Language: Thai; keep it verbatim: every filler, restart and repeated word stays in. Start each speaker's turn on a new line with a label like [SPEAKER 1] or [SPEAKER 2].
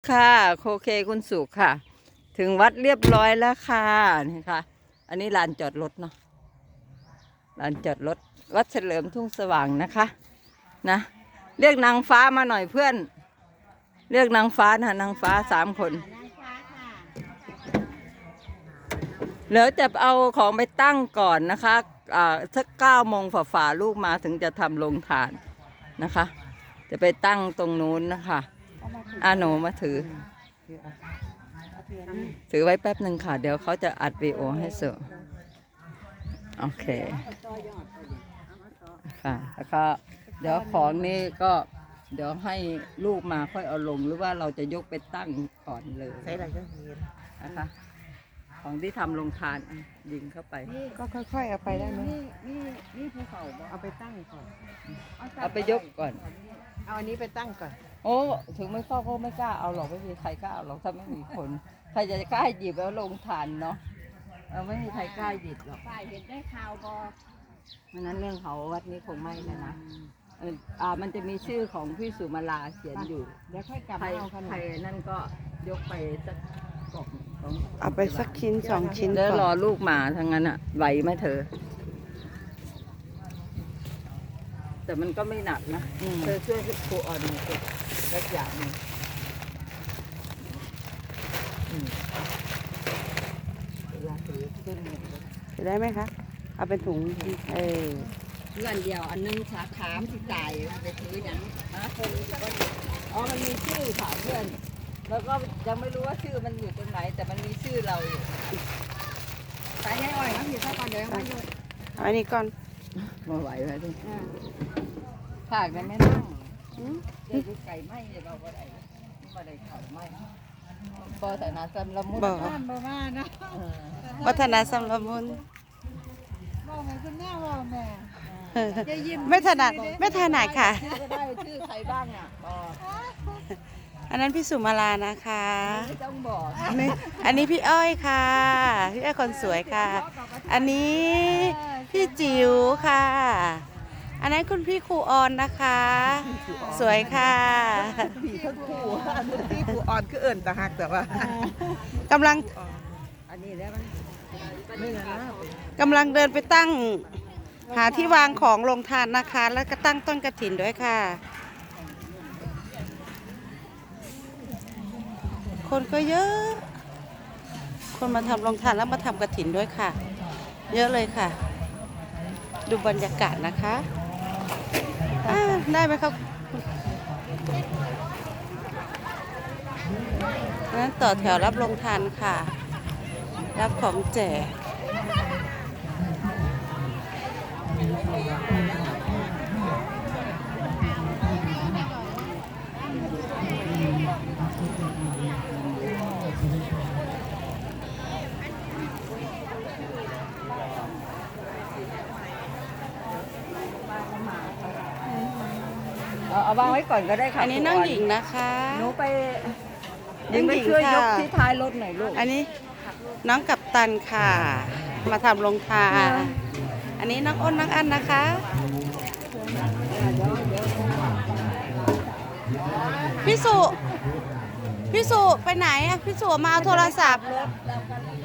[SPEAKER 1] ค่ะโอเคคุณสุขค่ะ ถึงวัดเรียบร้อยแล้วค่ะนี่ค่ะ อันนี้ลานจอดรถเนาะลานจอดรถวัดเฉลิมทุ่งสว่างนะคะนะเรียกนางฟ้ามาหน่อยเพื่อน เรียกนางฟ้านะนางฟ้าสามคนแล้วจะเอาของไปตั้งก่อนนะคะอ่าสักเก้าโมงฝ่าๆลูกมาถึงจะทำโรงทานนะคะ จะไปตั้งตรงนู้นนะคะอาหนูมาถือ ถือไว้แป๊บหนึ่งค่ะ เดี๋ยวเขาจะอัดวีดีโอให้เสร็จโอเคค่ะแล้วก็เดี๋ยวของนี้ก็เดี๋ยวให้ลูกมาค่อยเอาลงหรือว่าเราจะยกไปตั้งก่อนเลยใช้อะไรก็เห็นนะคะของที่ทำลงทานยิงเข้าไป
[SPEAKER 2] ก็ค่อยๆเอาไปได้ไหม
[SPEAKER 1] นี่นี่นี่ภูเขา
[SPEAKER 2] เอาไปตั้งก่อน
[SPEAKER 1] เอาไปยกก่อน
[SPEAKER 2] เอาอันนี้ไปตั้งก่อน
[SPEAKER 1] โอ้ถึงไม่เข้าก็ไม่กล้าเอาหรอกไม่มีใครกล้าเอาหรอกถ้าไม่มีคนใครจะกล้าหยิบแล้วลงทานเนาะเออไม่มีใครกล้าหยิบหรอก
[SPEAKER 2] ฝ่ายเห็นได้ข่าวบอ
[SPEAKER 1] เพราะนั้นเรื่องเขาวัดนี้คงไม่นะนะเอออ่ามันจะมีชื่อของพี่สุมาลาเขียนอยู่
[SPEAKER 2] เดี๋ยวค่อยกลับ
[SPEAKER 1] ใคร
[SPEAKER 2] เอาขนม
[SPEAKER 1] ใครนั่นก็ยกไปสักกล่องสอง
[SPEAKER 2] เอาไปสักชิ้นสองชิ้น
[SPEAKER 1] เดี๋ยวรอลูกมาทั้งนั้นอ่ะไหวไหมเธอแต่มันก็ไม่หนักนะเธอช่วยครูอ่อนหน่อยสิสักอย่างหนึ่งเวลาถือขึ้น
[SPEAKER 2] จะได้ไหมคะเอาเป็นถุงเออ
[SPEAKER 1] เพื่อนเดียวอันนึงสาขาที่จ่ายไปถืออย่างนะคนอ๋อมันมีชื่อค่ะเพื่อนแล้วก็ยังไม่รู้ว่าชื่อมันอยู่ตรงไหนแต่มันมีชื่อเราอยู่
[SPEAKER 2] ใส่ให้อ่อยนะพี่ถ้าก่อนเดี๋ยวมาหยุดอันนี้ก่อน
[SPEAKER 1] มาไหวไหมทุกภาคนั้นไม่นั่งเจอไก่ไหมเนี่ยเราก็ได้มาได้ข่าวไหมปอแต่นาซัมละมุน
[SPEAKER 2] บ้านบ้านนะวัฒนาซัมละมุน
[SPEAKER 1] บอกไงคุณแม่บอกแม่
[SPEAKER 2] ไม่ถนัดไม่ถนัดค่ะ
[SPEAKER 1] ชื่อก็ได้ชื่อใครบ้างอ่ะบอก
[SPEAKER 2] อันนั้นพี่สุมาลานะคะ
[SPEAKER 1] ไม่ต้องบอก
[SPEAKER 2] อันนี้พี่อ้อยค่ะพี่อ้อยคนสวยค่ะอันนี้พี่จิ๋วค่ะอันนั้นคุณพี่ครูออนนะคะสวยค่ะ
[SPEAKER 1] พี่ทั้งคู่พี่ครูออนคือเอิญตาหักแต่ว่
[SPEAKER 2] ากำลัง
[SPEAKER 1] อันนี้แล้วมัน
[SPEAKER 2] กำลังเดินไปตั้งหาที่วางของลงทานนะคะแล้วก็ตั้งต้นกฐินด้วยค่ะคนก็เยอะคนมาทำลงทานแล้วมาทำกฐินด้วยค่ะเยอะเลยค่ะดูบรรยากาศนะคะได้ไหมครับนั้นต่อแถวรับลงทานค่ะรับของแจก
[SPEAKER 1] เอาวางไว้ก่อนก็ได้ค่ะ
[SPEAKER 2] อันนี้น้องหญิงนะคะ
[SPEAKER 1] หนูไปหญิงไปช่วยยกที่ท้ายรถหน่อยลูก
[SPEAKER 2] อันนี้น้องกัปตันค่ะมาทำลงทานอันนี้น้องอ้นน้องอันนะคะพี่สุพี่สุไปไหนอะพี่สุมาเอาโทรศัพท์